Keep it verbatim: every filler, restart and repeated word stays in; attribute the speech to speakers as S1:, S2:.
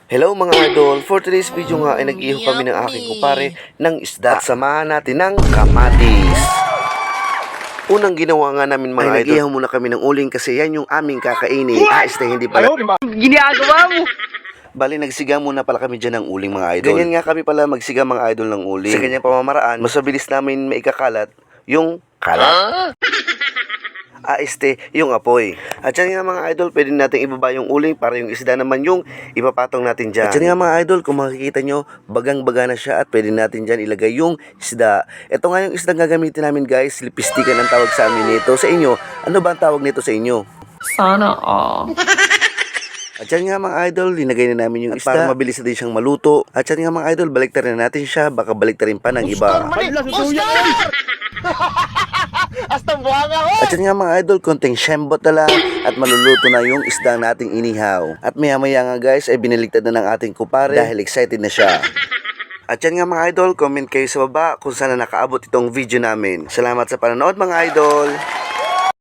S1: Hello mga idol, for today's video nga ay nag-iho kami ng aking kupare ng isda at samahan natin ng kamatis. Unang ginawa nga namin mga ay, idol, nag-ihaw muna kami ng uling kasi yan yung aming kakainin. Ah, este hindi pala.
S2: Ginagawa mo!
S1: Bali, nagsiga muna pala kami dyan ng uling mga idol. Ganyan nga kami pala magsiga mga idol ng uling. Sa ganyang pamamaraan, mas mabilis namin maikakalat yung kalat. Ah, este, yung apoy. At yan nga mga idol, pwede natin ibaba yung uling para yung isda naman yung ipapatong natin dyan. At yan nga mga idol, kung makikita nyo, bagang-baga na siya at pwede natin dyan ilagay yung isda. Ito nga yung isda gagamitin namin guys, lipistikan ang tawag sa amin nito. Sa inyo, ano ba ang tawag nito sa inyo?
S2: Sana all.
S1: At yan nga mga idol, linagay na namin yung isda para mabilis na din siyang maluto. At yan nga mga idol, baliktarin na natin siya, baka baliktarin pa ng iba. At yan nga mga idol, konting shembot na lang at maluluto na yung isda nating inihaw. At maya maya nga guys, ay biniligtad na ng ating kupare dahil excited na siya. At yan nga mga idol, comment kayo sa baba kung saan na nakaabot itong video namin. Salamat sa panonood mga idol!